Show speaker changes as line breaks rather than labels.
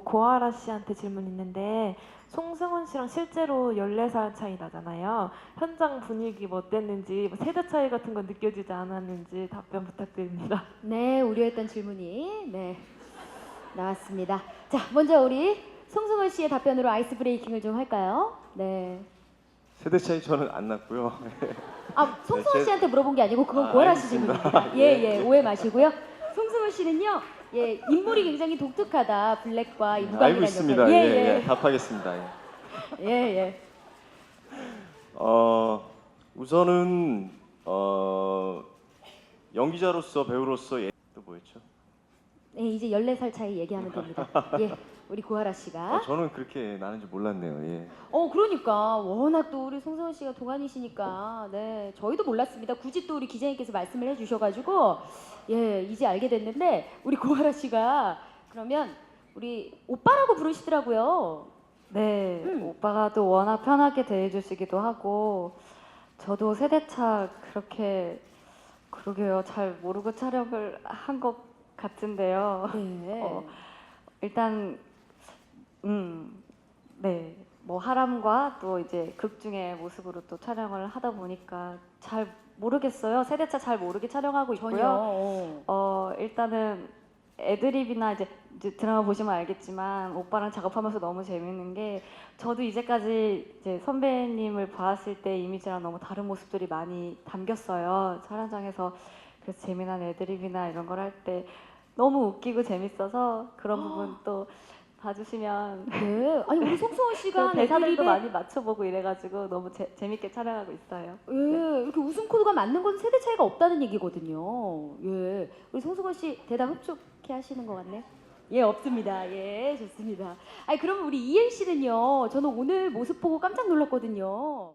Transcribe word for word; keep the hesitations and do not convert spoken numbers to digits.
고아라 씨한테 질문 있는데 송승헌 씨랑 실제로 열네 살 차이 나잖아요. 현장 분위기 뭐 어땠는지, 뭐 세대 차이 같은 건 느껴지지 않았는지 답변 부탁드립니다.
네, 우려했던 질문이 네 나왔습니다. 자, 먼저 우리 송승헌 씨의 답변으로 아이스 브레이킹을 좀 할까요? 네.
세대 차이 저는 안 났고요.
아, 송승헌
제-
씨한테 물어본 게 아니고 그건
아,
고아라 씨
알겠습니다.
질문입니다. 예, 예, 오해 마시고요. 송승헌 씨는요, 예, 인물이 굉장히 독특하다. 블랙과 이 무감이라는
알고 있습니다.
역할.
예,
예,
예, 답하겠습니다. 예.
예, 예.
어, 우선은 어, 연기자로서 배우로서 예, 또 뭐였죠?
예, 이제 열네 살 차이 얘기하면 됩니다. 예, 우리 고아라 씨가.
어, 저는 그렇게 나는지 몰랐네요. 예.
어, 그러니까 워낙 또 우리 송승헌 씨가 동안이시니까 네, 저희도 몰랐습니다. 굳이 또 우리 기자님께서 말씀을 해주셔가지고 예, 이제 알게 됐는데 우리 고아라 씨가 그러면 우리 오빠라고 부르시더라고요.
네,
음.
오빠가 또 워낙 편하게 대해주시기도 하고 저도 세대차 그렇게 그러게요. 잘 모르고 촬영을 한 것 같은데요.
네.
어, 일단 음, 네, 뭐 하람과 또 이제 극 중의 모습으로 또 촬영을 하다 보니까 잘 모르겠어요. 세대차 잘 모르게 촬영하고
전혀.
있고요.
어.
어 일단은 애드립이나 이제, 이제 드라마 보시면 알겠지만 오빠랑 작업하면서 너무 재밌는 게 저도 이제까지 이제 선배님을 봤을 때 이미지랑 너무 다른 모습들이 많이 담겼어요. 촬영장에서. 그래서 재미난 애드립이나 이런 걸 할 때 너무 웃기고 재밌어서 그런 부분 또 봐주시면
네. 아니 우리 송승헌 씨가
그 대사들도
애드립에
많이 맞춰보고 이래가지고 너무 재, 재밌게 촬영하고 있어요.
예, 이렇게 웃음 코드가 맞는 건 세대 차이가 없다는 얘기거든요. 예, 우리 송승헌 씨 대답 흡족해 하시는 것 같네요. 예, 없습니다. 예, 좋습니다. 아니 그러면 우리 이엘 씨는요. 저는 오늘 모습 보고 깜짝 놀랐거든요.